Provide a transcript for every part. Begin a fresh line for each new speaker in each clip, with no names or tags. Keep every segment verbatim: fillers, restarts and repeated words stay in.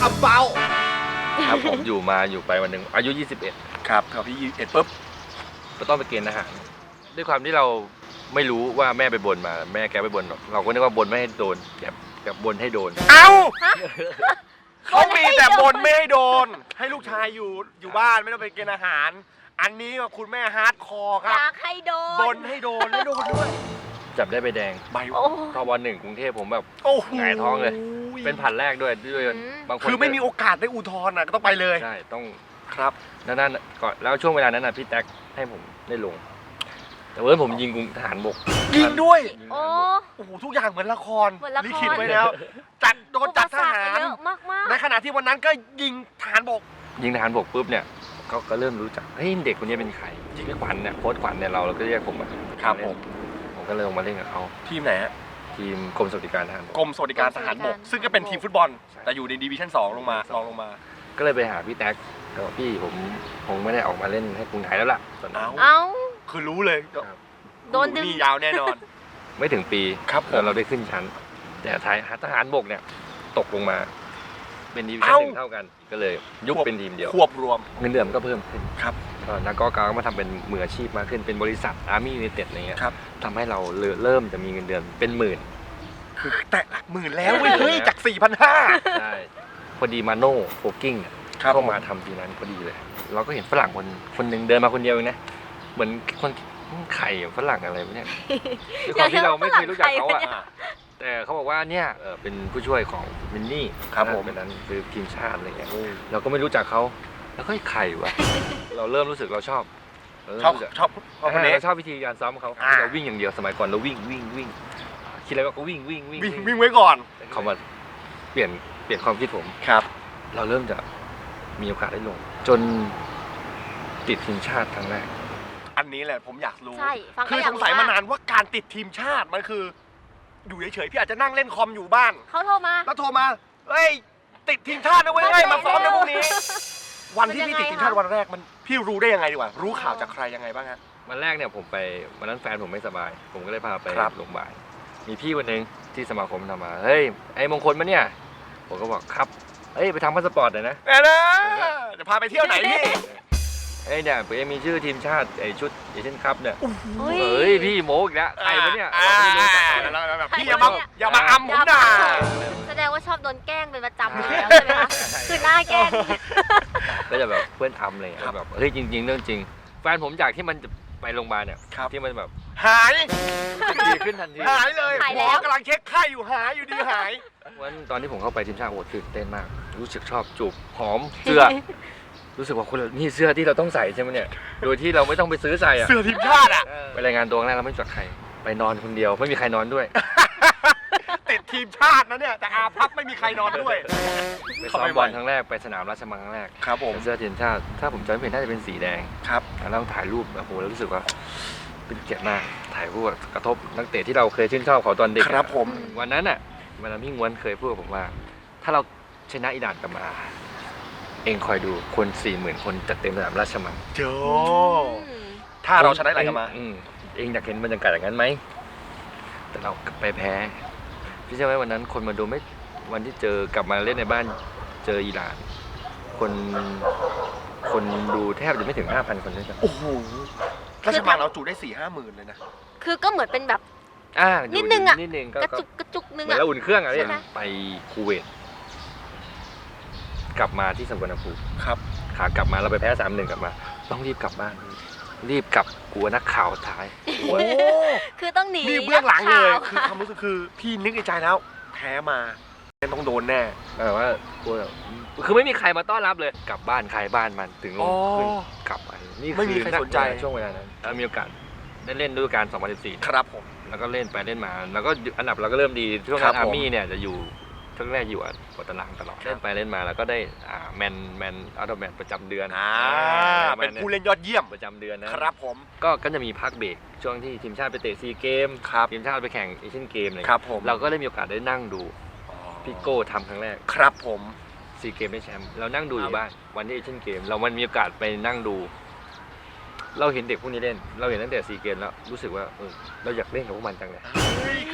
อับเบา
ครับผมอยู่มาอยู่ไปวันหนึ่งอายุยี่สิบเอ็ด
ครับพอพี่ยี่สิบเอ็ดปุ๊บ
ก็ต้องไปเกณฑ์ทหารด้วยความที่เราไม่รู้ว่าแม่ไปบนมาแม่แกไปบนเราก็นึกว่าบนไม่ให้โดนแบบแบบบนให้โดน
เอ้าเขามีแต่บนไม่ให้โดนให้ลูกชายอยู่อยู่บ้านไม่ต้องไปเกณฑ์อาหารอันนี้คุณแม่ฮาร์ดคอร์ครับ
อยากให้โดน
บนให้โดนไม่โดนด้วย
จับได้ใบแดง
ใบ
ตอนวันหนึ่งกรุงเทพผมแบบหงายท้องเลยเป็นผัดแรกด้วยด้วยบางคน
คือไม่มีโอกาสได้อุทธรณ์นะก็ต้องไปเลย
ใช่ต้อง
ครับ
นั่นนั่นก่อนแล้วช่วงเวลานั้นนะพี่แท็กให้ผมได้ลงแต่เมื่อผมยิงกรุงทหารบก
ยิงด้วย
โอ้
โอ้โหทุกอย่างเหมือนละคร
ลิ
ขิตไว้แล้วจัดโดนจัดทหารในขณะที่วันนั้นก็ยิงทหารบก
ยิงทหารบกปุ๊บเนี่ยเขาก็เริ่มรู้จักเฮ้ยเด็กคนนี้เป็นใครจริงๆขวัญเนี่ยโค้ชขวัญเนี่ยเราเราก็เรียกผมมา
ครับผม
ผมก็เลยลงมาเล่นกับเขา
ทีมไหนฮะ
ทีมกรมสวัสดิการทหาร
กรมสวัสดิการทหารบกซึ่งก็เป็นทีมฟุตบอลแต่อยู่ในดิวิชั่นสองลงมาลองลงมา
ก็เลยไปหาพี่แท็กก็บอกพี่ผมคงไม่ได้ออกมาเล่นให้กรุงไทยแล้วล่ะตอนนั้น
เอ้า
คือรู้เลย
โดนดึง
นี่ยาวแน่นอน
ไม่ถึงปี
ครับ
แล้วเราได้ขึ้นชั้นแต่ไทยทหารบกเนี่ยตกลงมาเป็นดิวิชั่นหนึ่งเท่ากันก็เลยยุบเป็นทีมเดียว
ควบรวม
เงินเดือนก็เพิ่มขึ้น
ครับ
นักกอล์ฟก็มาทำเป็นมืออาชีพมากขึ้นเป็นบริษัทอาร์มี่ยูไนเต็ดอะไรเงี้ยทำให้เราเริ่มจะมีเงินเดือนเป็นหมื่น
คือแตะหลักหมื่นแล้วเฮ้ยจาก สี่พันห้าร้อย
ใช่พอดีมาโน่โฟกิ้งเข้ามาทำทีนั้นพอดีเลยเราก็เห็นฝรั่งคนคนหนึ่งเดินมาคนเดียวเองนะเหมือนคนไข่ฝรั่งอะไรวะเนี่ยด้วยความที่เราไม่เคยรู้จักเขาอะแต่เขาบอกว่าเนี่ยเป็นผู้ช่วยของมินนี่
ครับผม
เป็นนั้นคือทีมชาติอะไรเงี้ยเราก็ไม่รู้จักเขาแล้วก็ไข่วะเราเริ่มรู้สึกเราชอบ
ชอบชอบ
เราชอบวิธีการซ้อมเขาเราวิ่งอย่างเดียวสมัยก่อนเราวิ่งวิ่งวิ่งคิดอะไรก็วิ่งวิ่งวิ่ง
วิ่งไว้ก่อน
เขามาเปลี่ยนเปลี่ยนความคิดผม
ครับ
เราเริ่มจะมีโอกาสได้ลงจนติดทีมชาติครั้งแรก
อันนี้แหละผมอยากรู้
คือ
สงสัยมานานว่าการติดทีมชาติมันคืออยู่เฉยๆพี่อาจจะนั่งเล่นคอมอยู่บ้าน
เขาโทรมา
แล้วโทรมาเฮ้ยติดทีมชาตินะเว้ยเฮ้ยมาซ้อมในพวกนี้วันที่พี่ติดทีมชาติวันแรกมันพี่รู้ได้ยังไงดีกว่ารู้ข่าวจากใครยังไงบ้างฮะ
วันแรกเนี่ยผมไปวันนั้นแฟนผมไม่สบายผมก็เลยพาไปโรงพยาบาลมีพี่คนหนึ่งที่สมาคมทำมาเฮ้ยไอ้มงคลมาเนี่ยผมก็บอกครับเอ้ยไปทำพาสปอร์ตหน่อยนะ
เออนะจะพาไปเที่ยวไหนพี่
เอ้ยเนี่ยผมมีชื่อทีมชาติไอ้ชุดเอเชียนคัพเนี่ยเฮ้ยพี่โมอีกแล้วใครวะเนี่ย
พี่อย่ามาอย่ามาอัมผมด่า
แสดงว่าชอบโดนแกล้งเป็นประจำแล้วใช่ไหมคะคือหน้าแกล้ง
ก็จะแบบเพื่อนทำเลยแบบเฮ้ยจริงๆเรื่องจริงแฟนผมจากที่มันไปโรงพยาบาลเนี่ยที่มันแบบ
หาย
ดีขึ้นทันที
หายเลยหมอกำลังเช็คไข้อยู่หายอยู่ดีหาย
วันตอนที่ผมเข้าไปทีมชาติโอ้ตื่นเต้นมากรู้สึกชอบจูบหอมเสื้อรู้สึกว่าคนนี่เสื้อที่เราต้องใส่ใช่ไหมเนี่ยโดยที่เราไม่ต้องไปซื้อใส่อะ
เสื้อทีมชาติอะ
ไปรายงานตัวแรกเราไม่รู้จักใครไปนอนคนเดียวไม่มีใครนอนด้วย
ติดทีมชาตินะเนี่ยแต่อาพับไม่มีใครนอนด้วย
ไปซ้อมบอลครั้งแรกไปสนามราชมังครั้งแรก
ครับผม
เสื้อทีมชาติถ้าผมจำไม่ผิดน่าจะเป็นสีแดง
ครับ
แล้วถ่ายรูปโอ้โหแล้วรู้สึกว่าเป็นเกียรติมากถ่ายรูปกระทบนักเตะที่เราเคยชื่นชอบเขาตอนเด็ก
ครับผม
วันนั้นอ่ะวันนั้นพี่ง้วนเคยพูดกับผมว่าถ้าเราชนะอิหร่านกลับมาเองคอยดูคนสี่หมื่นคนจัดเต็มสนามราชมัง
โจถ้าเราชนะอิหร่านกลับมา
เองอยากเห็นบรรยากาศอย่างนั้นไหมแต่เราไปแพ้พี่ใช่ไหมวันนั้นคนมาดูไม่วันที่เจอกลับมาเล่นในบ้านเจออิหร่านคนคนดูแทบจะไม่ถึงห้าพันคนด้วยกัน
โอ้โหราชมังเราจุได้สี่ห้าหมื่นเลยนะ
คือก็เหมือนเป็นแบบ
อ่า
นิดนึงอ่ะ
นิดนึง
กระจุกกระจุกนึง
อ่ะแล้วอุ่นเครื่องอะไรไปคูเวตกลับมาที่สุวรรณภูมิ
ครับ
ขากลับมาเราไปแพ้สามหนึ่งกลับมาต้องรีบกลับบ้านรีบกลับกลัวนักข่าวถ่าย
โอ้
คือต้องหนี
นี่เบื้องหลังเลยคือความรู้สึกคือพี่นึกในใจแล้วแพ้มาต้องโดนแน่
แต่ว่ากลัวคือไม่มีใครมาต้อนรับเลยกลับบ้านใครบ้านมันถึงลงขึ้นกลับไป
นี่ไม่มีใครสนใจ
ช่วงเวลานั้นถ้ามีโอกาสได้เล่นฤดูกาลสองพันสิบสี่
ครับผม
แล้วก็เล่นไปเล่นมาแล้วก็อันดับเราก็เริ่มดีช่วงนั้นอาร์มี่เนี่ยจะอยู่ช่วงแรกอยู่อันตารางตลอดเล่นไปเล่นมาแล้วก็ได้แมนแมนอัลแมนประจำเดือน
เป็นผู้เล่นยอดเยี่ยม
ประจำเดือนนะครับ
ผม
ก็ก็จะมีพักเบรกช่วงที่ทีมชาติไปเตะซีเกมทีมชาติไปแข่งเอเชียนเกมเลย
ครับผม
เราก็ได้มีโอกาสได้นั่งดูพี่โก้ทำครั้งแรก
ครับผม
ซีเกมได้แชมป์เรานั่งดูอยู่บ้านวันที่เอเชียนเกมเรามันมีโอกาสไปนั่งดูเราเห็นเด็กพวกนี้เล่นเราเห็นตั้งแต่ซีเกมแล้วรู้สึกว่าเออเราอยากเล่นกับพวกมันจังเลย
คือ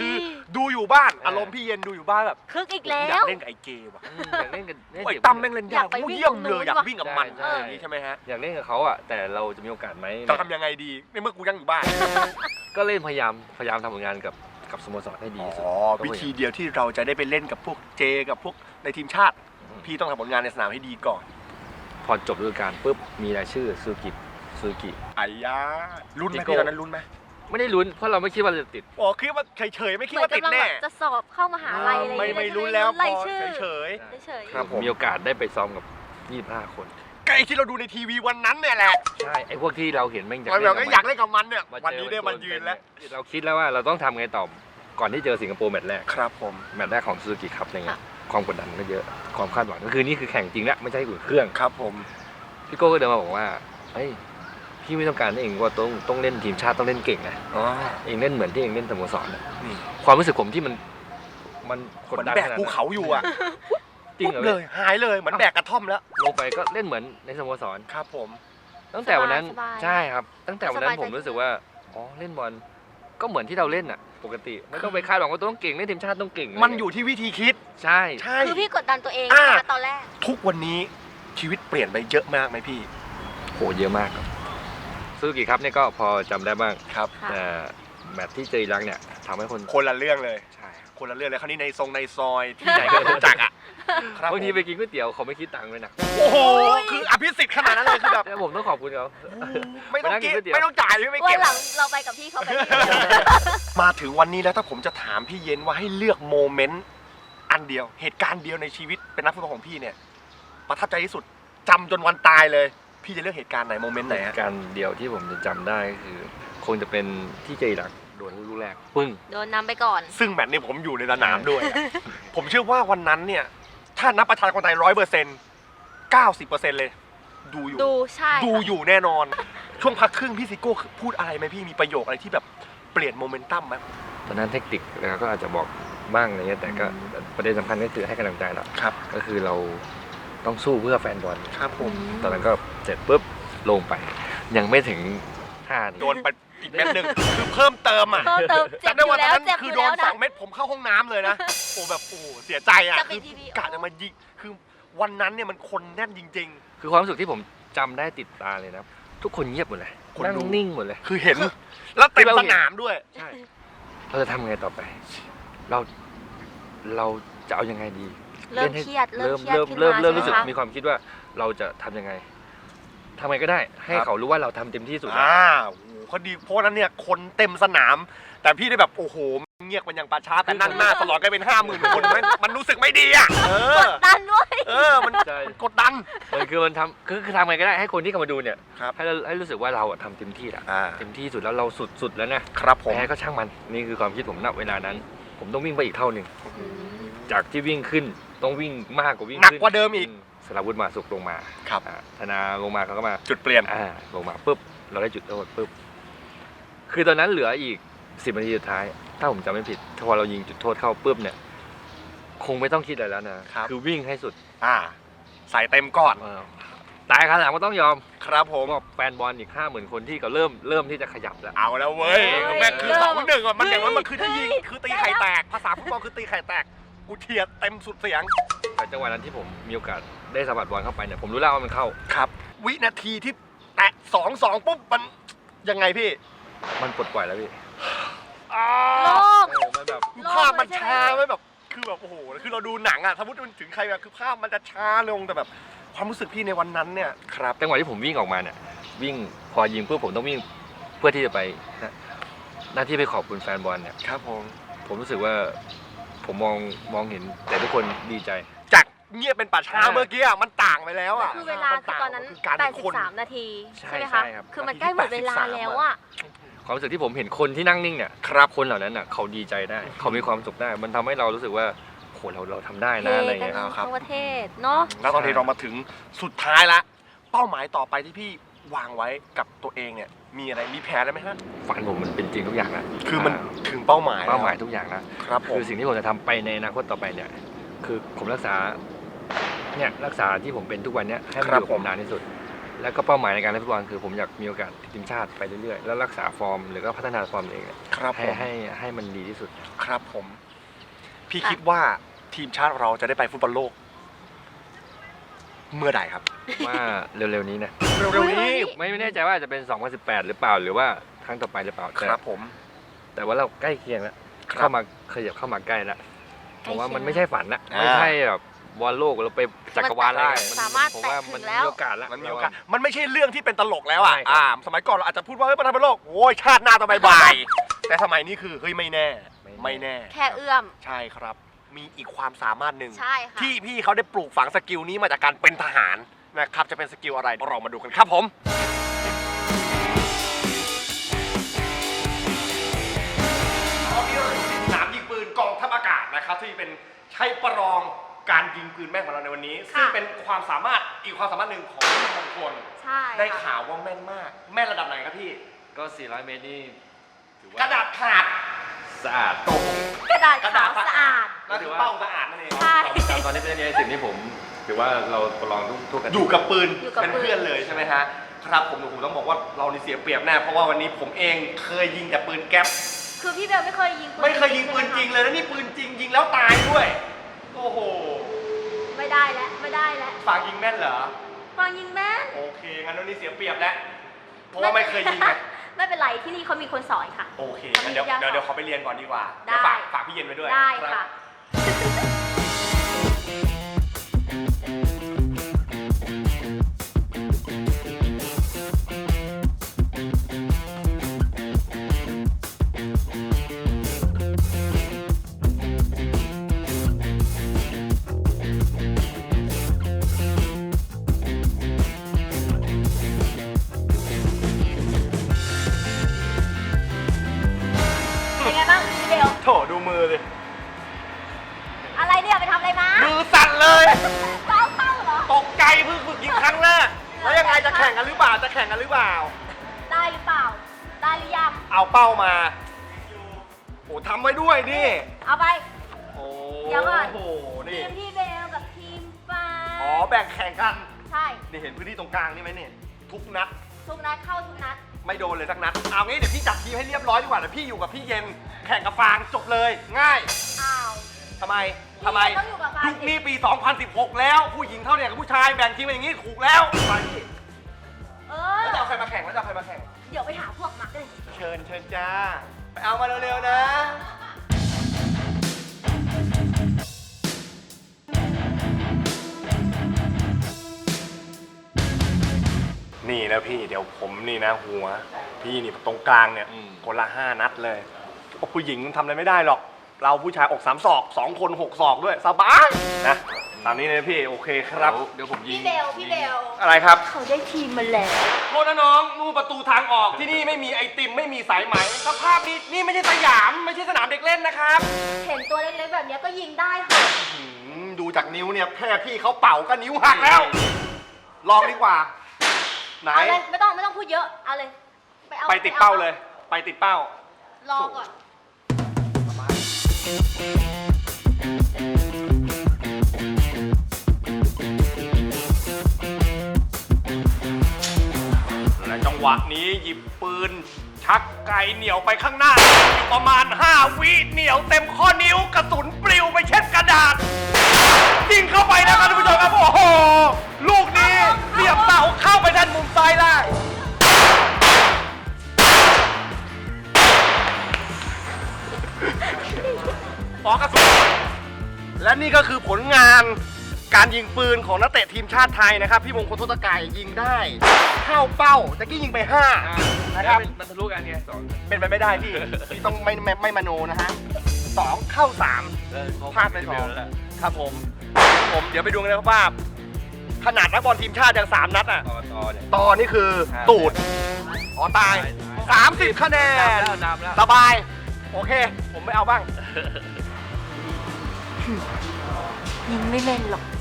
ดูอยู่บ้าน
เอออ
อารมณ์พี่เย็นดูอยู่บ้านแบบ
คึกอีกแล้
อยาว กเล่นกับไอ้เจว่ะ
อืมอยากเล่นกันเล่น
ไอ้
เด็ก
ตั้มแม่งเล่นาก
อยายกไป
โอ้
วิ่ง
เยี่ยม
ตรงนู้
เลย
น
อยาก
ว่ะ
วิ่งกับมัน
ใช่
อย่างนี้ใช่ไหมฮะ
อยากเล่นกับเขาอ่ะแต่เราจะมีโอกาสไหม
จะทำยังไงดีในเมื่อกูยังอยู่บ้าน
ก็เล่นพยายามพยายามทำผลงานกับกับสโมสรให้ดีที่สุด
อ๋อวิธีเดียวที่เราจะได้ไปเล่นกับพวกเจกับพวกในทีมชาติ พี่ต้องทำผลงานในสนามให้ดีก่อน
พอจบฤดูกาลปุ๊บมีรายชื่อซูกิซูกิ
ไอ้ยาลุ้นไหม
จิโก้
พี่ตอนนั้นลุ้นไหม
ไม่ได้ลุ้นเพราะเราไม่คิดว่าจะติด
อ๋อคิดว่าเฉยๆไม่คิด
เหมือน
ว่าติด
กำลัง
แน่
แบบจะสอบเข้ามหาลัยอะไร
ไม่
อย่าง
ไม่
เงี้ย
ลุ้นแล้วพ
ราย
อ
ชื่อ
เฉย
เฉย
ครับผม
มีโอกาสได้ไปซ้อมกับยี่สิบห้าคน
ๆก็ไอ้ที่เราดูในทีวีวันนั้นเนี่ยแหละ
ใช่ไอ้พวกที่เราเห็นแม่ง
เราแบบก็อยากเล่นกับมันเนี่ย
มาเจอ
วันนี้ได้มันยืนแล้ว
เราคิดแล้วว่าเราต้องทำไงต่อก่อนที่เจอสิงคโปร์แมตช์แรก
ครับผม
แมตช์แรกของซูซูกิครับอะไรเงี้ยความกดดันก็เยอะความคาดหวังก็คือนี่คือแข่งจริงแล้วไม่ใช่อุ่นเครื่อง
ครับผม
พี่โก้ก็เดินมาบอกว่าเฮ้ยพี่ไม่ต้องการให้เองว่าต้องต้องเล่นทีมชาติต้องเล่นเก่งนะ
อ๋อ
เองเล่นเหมือนที่เองเล่นสโมสรนะ
นี่
ความรู้สึกผมที่มันมันก
เห
ด
มือน
ดัน
แบก
ขนาด
ภู
นั้น
เขาอยู่อ่ะ
จริงเหรอ
เลยหายเลยเหมือนแบกกระท่อมแล้ว
ลงไปก็เล่นเหมือนในสโมสร
ครับผม
ตั้งแต่วันนั้น
สบายๆ
ใช่ครับ ตั้งแต่วันนั้น
สบายใจ
ผมรู้สึกว่าอ๋อเล่นบอลก็เหมือนที่เราเล่นอ่ะ ปกติไม่ต้องไปคาดหวังว่าต้องเก่งเล่นทีมชาติต้องเก่ง
มันอยู่ที่วิธีคิด
ใช่
ใช่
คือพี่กดดันตัวเอง
อ่า
นะคะตอนแรก
ทุกวันนี้ชีวิตเปลี่ยนไปเยอะมากไหมพี่
โหเยอะมากครับซูซูกิครับเนี่ยก็พอจำได้บ้าง
ครับ
ค่ะ
แต่แมตช์ที่เจออิรักเนี่ยทำให้คน
คนละเรื่องเลย
ใช่
คนละเรื่องเลยคราวนี้ในทรงในซอยที่ไหนก็รู้จักอ่ะครับ
บางที
ผม
ไปกินก๋วยเตี๋ยวเขาไม่คิดตังค์เลยนะ
โอ้โหคืออภิสิทธิ์ขนาดนั้นเลยคือแบบ
แต่ผมต้องขอบคุณเขา
ไม่ต้อง
ไปนั่งกิ
กิ
น
น
ก๋วยเตี๋ยว
ไม่ต้องจ่ายไม่
วัน
เก็บ
หลังเราไปกับพี่เขาไปที่เดียว
มาถึงวันนี้แล้วถ้าผมจะถามพี่เย็นว่าให้เลือกโมเมนต์อันเดียวเหตุการณ์เดียวในชีวิตเป็นนักฟุตบอลของพี่เนี่ยประทับใจที่สุดจำจนวันตายเลย พี่จะเลือกเหตุการณ์ไหนโมเมนต์ไหนฮะ
การเดียวที่ผมจะจำได้คือ คงจะเป็นที่เจออิรักโดนลูกแรกปึ้ง
โดนนำไปก่อน
ซึ่งแมตช์นี้ผมอยู่ในสนามด้วยอะผมเชื่อว่าวันนั้นเนี่ยถ้านับประชากรไทยร้อยเปอร์เซ็นต์เก้าสิบเปอร์เซ็นต์เลย ดูอยู่
ดูใช่
ดูอยู่แน่นอน ช่วงพักครึ่งพี่ซิโก้พูดอะไรไหมพี่มีประโยคอะไรที่แบบเปลี่ยนโมเมนตัมไหม
ตอนนั้นเทคนิคนะครับก็อาจจะบอกบ้างอะไรเงี้ยแต่ก็ประเด็นสำคัญก็คือให้กำลังใจเรา
ครับ
ก็คือเราต้องสู้เพื่อแฟนบอล
ครับผม
ตอนนั้นก็เสร็จปุ๊บลงไป ยังไม่ถึงห้า
โดนไปอีกเม็ดหนึ่งคือเพิ่มเติมอ่ะ
เพิ่มเติมเจ็บ
จำ
อ
ได้
ยู่
ว่าตอ
แล้
น
ว
นั้น
เจ็บอ
คือยู่ โด
แล้
น
ว
ส
นะ
องเม็ดผมเข้าห้องน้ำเลยนะโอ้แบบโอ้เสียใจอ่ะ
จะ
คื
ปิ
อ
ดทีวี
กะจะมายิงคือวันนั้นเนี่ยมันคนแน่นจริง
คือความรู้สึกที่ผมจำได้ติดตาเลยนะทุกคนเงียบหมดเลย
คน
นั่ง
ดู
นิ่งหมดเลย
ๆ คือเห็นแล้วเต็มสนามด้วย
ใช่เราจะทำไงต่อไป เราเราจะเอายังไงดี
เริ่ม
ล่นให้
เครียดเริ่
เริ่
ม
ม
เครียด
เริ่ม
ขึ้น
เริ่ม
มา
เริ่มรู้สึก
ใช่ไหม
มี
คะ
ความคิดว่าเราจะทำยังไงทำไงก็ได้ ให้
ครับ
เขารู้ว่าเราทำเต็มที่สุดแล้ว
อ่าโอ้โหเขาดีเพราะฉะนั้นเนี่ยคนเต็มสนาม แต่พี่ได้แบบโอ้โหเงียบมันอย่างปลาช้าแต่นั่งหน้าตลอดกันเป็นห้าหมื่นคนมันมันรู้สึกไม่ดีอ่ะเออก
ดดันด้วย
เออมัน
ใช่
มันกดดัน
มันคือมันทำคือคือทำไงก็ได้ให้คนที่เข้ามาดูเนี่ย
ครับ
ให้เราให้รู้สึกว่าเราอะทำเต็มที่แล้ว
อ่า
เต็มที่สุดแล้วเราสุดสุดแล้วนะครับ
ผม
แพ้ก็ช่างมันนี่คือความคิดผมณเวลานั้น ผมต้องวิ่งไปอีกเท่าหนึ่งจากที่วิ่งขึ้นต้องวิ่งมากกว่าวิ่ง
หนัก
ขึ้น
กว่าเดิมอีก
มสราวุธมาสุกลงมา
ครับ
อ่าธนาลงมาเขาก็มา
จุดเปลี่ยน
อ่าลงมาปุ๊บเราได้จุดโทษปุ๊บคือตอนนั้นเหลืออีกสิบนาทีสุดท้าย ถ้าผมจำไม่ผิดถ้าพอเรายิงจุดโทษเข้าปุ๊บเนี่ย คงไม่ต้องคิดอะไรแล้วนะครับ อวิ่งให้สุด
อ่าใส่เต็มก่อน
เออตายขนาดก็ต้องยอม
ครับผม
ผมบอกแฟนบอลอีกห้าหมื่นคนที่ก็เริ่มเริ่มที่จะขยับแล้ว
เอาแล้วเว้ย
เฮ้ย
แม่งคือ
เริ่ม
สองหนึ่งอ่ะมันอย่างนั้นมันคือถ้ายิง
เฮ้ย
คือตีไข่แตกภาษาฟุตบอลคือตีไข่แตกกูเทียร์เต็มสุดเสียง
แต่จังหวะนั้นที่ผมมีโอกาสได้สะบัดบอลเข้าไปเนี่ยผมรู้แล้วว่ามันเข้า
ครับ วินาทีที่แตะสองสองปุ๊บมันยังไงพี่
มันปลดปล่อยแล้วพี่
อ่า
โล่ง
เออมันแบบ
คือภาพมันชาไว้แบบคือแบบโอ้โหคือเราดูหนังอ่ะสมมติมันถึงใครแบบคือภาพมันจะช้าลงแต่แบบความรู้สึกพี่ในวันนั้นเนี่ยครับ
จังหวะที่ผมวิ่งออกมาเนี่ยวิ่งพอยิงเพื่อผมต้องวิ่งเพื่อที่จะไปนะหน้าที่ไปขอบคุณแฟนบอลเนี่ย
ครับผม
ผมรู้สึกว่าผมมองมองเห็นแต่ทุกคนดีใจ
จากเงียบเป็นป่าช้า
อ่า
เมื่อกี้อ่ะมันต่างไปแล้วอ่ะ
คือเวลา
มั
คือ
ต่าง
ตอนนั้น
คือการ
แป
เป็
ด
น
สิ
ค
บ
น
สามนาที
ใช่
ใช่ไหม
ใช่
คะ
ครับ
คือมันใกล้หมดเวลาแล้วอ่ะ
ความรู้สึกที่ผมเห็นคนที่นั่งนิ่งเนี่ย
ครับ
คนเหล่านั้นน่ะเขาดีใจได้ เขามีความสุขได้ มันทำให้เรารู้สึกว่าโหเราเราทำได้
เท
นะอะไร
กัน
เงี้ย
ครับ
ทั้งประเทศเนาะ
แล้วตอนนี้เรามาถึงสุดท้ายละเป้าหมายต่อไปที่พี่วางไว้กับตัวเองเนี่ยมีอะไรมีแผนอะไรไหมฮะ
ฝันผมมันเป็นจริงทุกอย่างนะ
คือมันถึงเป้าหมาย
เป้าหมาย
แล้ว
ทุกอย่างนะ
ครับผม
คือสิ่งที่ผมจะทำไปในอนาคตต่อไปเนี่ย คือผมรักษาเนี่ยรักษาที่ผมเป็นทุกวันเนี้ยให้มันอยู่กับผมนานที่สุดแล้วก็เป้าหมายในการเล่นฟุตบอลคือผมอยากมีโอกาสติดทีมชาติไปเรื่อยๆแล้วรักษาฟอร์มหรือก็พัฒนาฟอร์มตัวเอง
ครับ
ให้
ผม
ให้ให้มันดีที่สุด
ครับผม พี่คิดว่าทีมชาติเราจะได้ไปฟุตบอลโลก เมื่อใดครับ
ว่าเร็วๆนี้นะ
เร็วๆนี้
ไม่ไม่แน่ใจว่าจะเป็นสองพันสิบแปดหรือเปล่าหรือว่าครั้งต่อไปหรือเปล่า
ค
แต่
รับผม
แต่ว่าเราใกล้เคียงแล้ว
ครับ
เข้ามาขยับเข้ามาใกล้แล้วผมว่ามันไม่ใช่ฝันนะ
อ่า
ไม่ใช่แบบบอลโลกเราไปจักรวาลอะไร
มันสามารถ
ผมว่า
แตะถึ
มัน
ง
มี
แล้ว
โอกาสแล้ว
มันมีโอกาส มันไม่ใช่เรื่องที่เป็นตลกแล้วอ่ะ
ใช่ครับ
อ่า สมัยก่อนเราอาจจะพูดว่าเฮ้ยประธานบอลโลก โอ้ยชาติหน้าต้องบ่ายๆแต่สมัยนี้คือเฮ้ยไม่แน่ ไม่แน่
แค่เอื้อม
ใช่ครับ มีอีกความสามารถหนึ่ง
ใช่ค่ะ
ที่พี่เขาได้ปลูกฝังสกิลนี้มาจากการเป็นทหารนะครับ จะเป็นสกิลอะไรเรามาดูกันครับผมตอนนี้เราอยู่ที่สนามยิงปืนกองทัพอากาศนะครับที่เป็นใช้ประลองการยิงปืนแม่นของเราในวันนี้ ซึ่งเป็นความสามารถอีกความสามารถหนึ่งของมงคล
ใช่
ได้
ค่ะ
ข่าวว่าแม่นมาก แม่นระดับไหนครับพี่
ก็สี่ร้อยเมตรนี่ถือว่าก
ระดาษขาด
สะอาด
โต
กระดาษ
กระ
ขา
ดาษ
วสะอาด
นั่นคือเป้าสะอาดนั่นเอง
ใช่
ตอนตอนนี้เป็นในสิ่งที่ผมถือว่าเราประลองทุกทุกอาทิต
อยู่กับปืน
อยู่กับ
เป็น
ปืน
เพื่อนเลยใช่ไหมฮะครับผมผมต้องบอกว่าเรานี่เสียเปรียบแน่เพราะว่าวันนี้ผมเองเคยยิงแต่ปืนแก๊ป
คือพี่เบลไม่เคยยิงปืน
ไม่เคยยิงปืนจริงเลยแล้วนี่ปืนจริงยิงแล้วตายด้วย โอ้โห
ไม่ได้แล้วไม่ได้แล้ว
ฝากยิงแม่นเหรอ
ฟังยิงแม่น
โอเคงั้นวันนี้เสียเปรียบแล้วเพราะว่าไม่เคยยิงไง
ไม่เป็นไรที่นี่เขามีคนสอนค่ะ
โอเคงั้นเดี๋ยวเดี๋ยวเดี๋ยวขอไปเรียนก่อนดีกว่า
ได้
เดี๋ยวฝากฝากพี่เย็นไว้ด้วย
ได้
รับ
ค่ะ เป็นไงบ้างพี่เบล
โถดูมือเลย
อะไรเนี่ยไปทำอะไรมา
มือสั่นเลย
เป้าเป้าเหรอ
ตกใจเพิ่งฝึกยิงครั้งแรกแล้วยังไงจะแข่งกันหรือเปล่าจะแข่งกันหรือเปล่า
ได้หรือเปล่า ได้หรือยัง
เอาเป้ามาโอ้ทำไว้ด้วยนี่
เอาไป
โอ้
เดี๋ยวก่อน
โห
ที
นี่
มพี่เบลกับทีมฟ้า
อ๋อแบ่งแข่งกัน
ใช่
นี่เห็นพื้นที่ตรงกลางนี่ไหมเนี่ยทุกนัด
ทุกนัดเข้าทุกนัด
ไม่โดนเลยสักนัดเอางี้เดี๋ยวพี่จัดทีมให้เรียบร้อยดีกว่าเดี๋ยวพี่อยู่กับพี่เย็นแข่งกับฟางจบเลยง่าย
อ้าว
ทำไมทำไม
พี่เย็นต้องอยู่กับฟาง
ยุคนี้ปี สองพันสิบหก แล้วผู้หญิงเท่าเนี่ยกับผู้ชายแบ่งทีมเป็นอย่างนี้ถูกแล้วไปพี่
เอ
แล้ว
อ
จะเอาใครมาแข่งแล้วจะเอาใครมาแข่ง
เดี๋ยวไปหาพวกมาเลย
เชิญเชิญจ้าไปเอามาเร็วๆนะ นี่นะพี่เดี๋ยวผมนี่นะหัว พี่นี่ตรงกลางเนี่ย
อืม
คนละห้านัดเลยโอ้ผู้หญิงทำอะไรไม่ได้หรอก เราผู้ชายอกสามศอกสองคนหกศอกด้วยสบายนะตามนี้เลยพี่โอเคครับ
เดี๋ยวผมยิง
พี่เบลพี่เบล
อะไรครับ
เขาได้ทีมมาแล้ว
โทษนะน้องนู่นประตูทางออกที่นี่ไม่มีไอติมไม่มีสายไหมสภาพนี้นี่ไม่ใช่สยามไม่ใช่สนามเด็กเล่นนะครับ
เห็นตัวเล็กๆแบบเนี้ยก็ยิงได้ค่ะ
อืมดูจากนิ้วเนี่ยแค่พี่เขาเป่าก็นิ้วหักแล้ว ลองดีกว่า ไหน
เอาเลยไม่ต้องไม่ต้องพูดเยอะ เอาเลย เอา
ไปติดเป้าเลย ไปติดเป้า
รอก่อน
และจังหวะนี้หยิบปืน ชักไกเหนียวไปข้างหน้าอยู่ประมาณห้าวิเหนียวเต็มข้อนิ้วกระสุนปลิวไปเช็ดกระดาษยิงเข้าไปนะครับท่านผู้ชมครับโอ้โหลูกนี้เสียบเสาเข้าไปด้านมุมซ้ายล่างปอกระสุนและนี่ก็คือผลงานการยิงปืนของนักเตะทีมชาติไทยนะครับพี่มงคลทศกัยยิงได้เข้าเป้าตะกี้ยิงไปห้า นะครับ
มันทะลุกันไงสอง
เป็นไปไม่ได้พี่ พี่ต้องไม่ไม่ไม่มโนนะฮะสองเข้าสาม
เออเข
พลาดไปสอง
แล้วแหละ
ครับผมผมเดี๋ยวไปดูกันเลยครับว่าขนาดนักบอลทีมชาติยังสามนัดอ่ะ
ต่อต่อเนี่ย
ตอนนี้คือ
ห้า
ตูดอ๋อตายสามสิบคะแนน
แล้วนำแล้ว
สบาย โอเค ผมไม่เอาบ้าง
ยิงไม่แม่นหรอก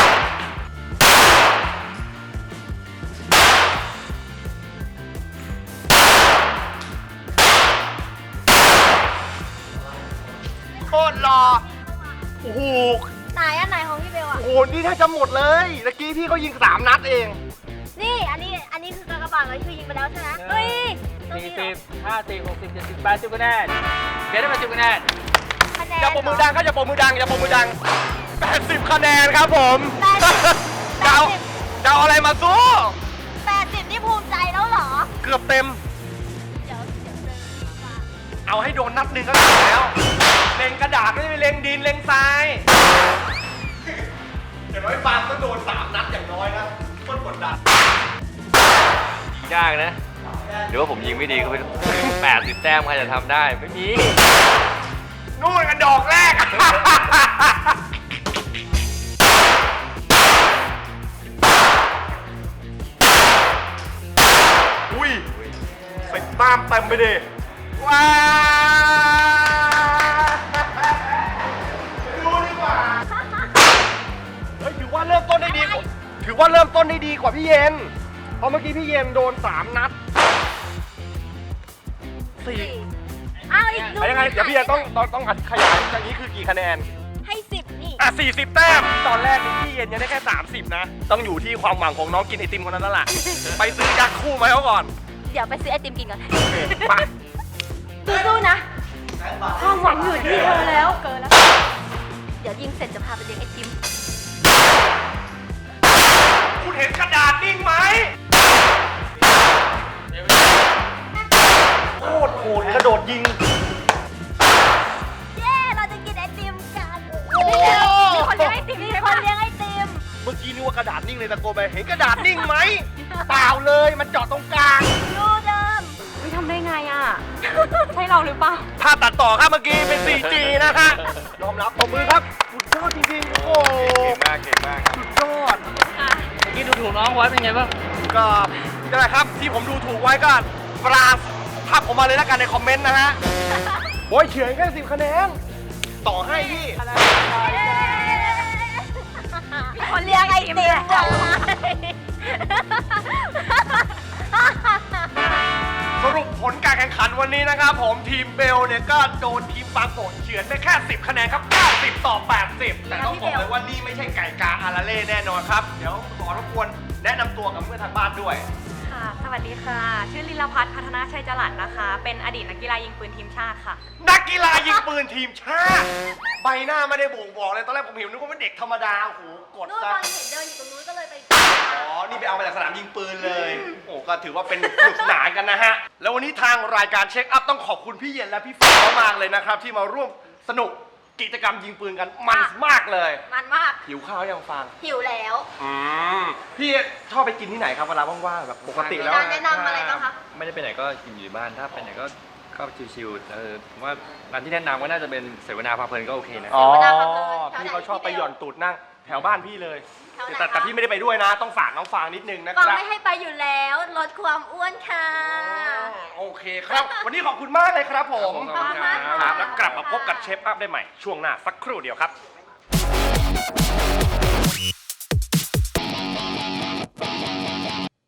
โคตรรอโอ้โห
ไหนอันไหนของพี่เบลอะ
โอ้โหนี่ถ้าจะหมดเลยตะกี้พี่เขายิงสามนัดเอง
นี่อันนี้อันนี้คือกากบาทเลยคือยิงไปแล้วใช่ไหมเฮ้ยตรง
สี่
นี้เหร
สิ
อบ
ห้าสิบหกสิบเจ็ดสิบแปดสิบคะแนนเบสได้มาสิบคะแนน
คะแนน
อย่าปรบมือดังครับอย่าปรบมือดังอย่าปรบมือดังแปดสิบคะแนนครับผม
แปดสิบ
จะเอาจะเอาอะไรมาสู้
แปดสิบนี่ภูมิใจแล้วเหรอ
เกือบเต็ม
เดี๋ยวเดี๋ยวเดินมา
เอาให้โดนนัดหนึ่งก็ถูกแล้วเล็งกระดาษไม่ได้ไปเล็งดินเล็งทรายอย่างน้อยปาล์มก็โดนสามนัดอย่างน้อยนะโคตรกดดัน
ยิงยากนะหรือว่าผมยิงไม่ดีก็เป็นแปดสิบแต้มใครจะทำได้ไม่มี
นู่นกันดอกแรก อุ้ยใส่ตามเต็มไปดิว้าวดูดีกว่า เฮ้ยถือว่าเริ่มต้นได้ดีกว่าถือว่าเริ่มต้นได้ดีกว่าพี่เย็น เพราะเมื่อกี้พี่เย็นโดนสามนัดสี่
อ้าวอีก
เอายังไงเดี๋ยวพี่เย็นต้องต้องต้องขยายอย่างนี้คือกี่คะแนน
ให้สิบนี่
อ่ะสี่สิบแต้ม ตอนแรกนี่พี่เย็นยังได้แค่สามสิบนะ ต้องอยู่ที่ความหวังของน้องกินไอติมคนนั้นแล้วล่ะ ไปซื้อยักษ์คู่มาให้เขาก่อน
เดี๋ยวไปซื้อไอติมกินก่อน
โอเคไป
สู้ๆนะความหวังอยู่ที่เธอแล้วเกินแล้ว เดี๋ยวยิงเสร็จจะพาไปเลี้ยงไอติม
คุณเห็นกระดาษนิ่งไหมโคตรโหดกระโดดยิง
เย้ เราจะกินไอติมกัน
โอ้โห
มีคนเลี้ยงไอติมมีคนเลี้ยงไอติม
เมื่อกี้นึกว่ากระดาษนิ่งเลยตะโกนไป เห็นกระดาษนิ่งไหม เปล่าเลย มันเจาะตรงกลาง
ดูเดิม
วิทำได้ไงอ่ะ ใช่เราหรือเปล่า
ภาพตัดต่อครับเมื่อกี้เป็น โฟร์จี นะฮะยอมรับตบมือครับ สุดยอดจริงๆ โอ้โห
เก่งมากเก่งมากครับ
สุดยอด
เมื่อกี้ดูถูกน้องไว้เป็นไงบ้าง
ก็นั่นแหละครับที่ผมดูถูกไว้ก็ปราศภาพผมมาเลยแล้วกันในคอมเมนต์นะฮะ โอ้ยเฉือนแค่สิบคะแนน ต่อให้พี่
มีคนเลี้ยงไอติมจ้ะ
สรุปผลการแข่งขันวันนี้นะครับผมทีมเบลเนี่ยก็โดนทีมบางโกะเฉือนไปแค่สิบคะแนนครับเก้าสิบต่อแปดสิบแต่ต้องบอกเลยว่านี่ไม่ใช่ไก่กาอาราเล่แน่นอนครับ เดี๋ยวขอรบกวนแนะนำตัวกับเพื่อนทางบ้านด้วย
ค่ะ สวัสดีค่ะ ชื่อลิลพัฒน์พัฒนาชัยจรัสนะคะ เป็นอดีตนักกีฬายิงปืนทีมชาติค่ะ
นักกีฬายิงปืนทีมชาติ ใบหน้าไม่ได้บ่งบอกเลยตอนแรกผมเห็นนึกว่าเป็นเด็กธรรมดาโอ้โหกด
นู่น
ซะ
ตอนเห็นเดินอยู่ตรงนู้นก็เลยไป
อ๋อ นี่ไปเอามาจากสนามยิงปืนเลย โอ้ก็ถือว่าเป็นสนุกสนานกันนะฮะ แล้ววันนี้ทางรายการเช็คอัพต้องขอบคุณพี่เย็นและพี่ฟ้ามากเลยนะครับ ที่มาร่วมสนุกกิจกรรมยิงปืนกันมันมากเลย
มันมาก
หิวข้าวยังฟัง
หิวแล้ว
อืมพี่ชอบไปกินที่ไหนครับเวลาว่างๆแบบปกติแล้ว
ร้านแนะนำอะไรบ้างคะ
ไม่ได้ไปไหนก็กินอยู่บ้านถ้าไปไหนก็ก็ชิวๆเออผมว่าร้านที่แนะนำก็น่าจะเป็นเสวนาพาเพลินก็โอเคนะ
อ๋อ
เสวนาพาเพลินแถวไหน
พี่เขาชอบไปหย่อนตูดนั่งแถวบ้านพี่เลย
แถวไหน
แต่แต่
คะ
พี่ไม่ได้ไปด้วยนะ ต้องฝากน้องฟางนิดนึงนะ
ฟัง
ครับ
ไม่ให้ไปอยู่แล้วลดความอ้วนค่ะ
โอเคครับ วันนี้ขอบคุณมากเลยครับผม
ขอบคุณมากครับ
ครับแล้วกลับมาพบกับเชฟอัพได้ใหม่ ช่วงหน้าสักครู่เดียวครับ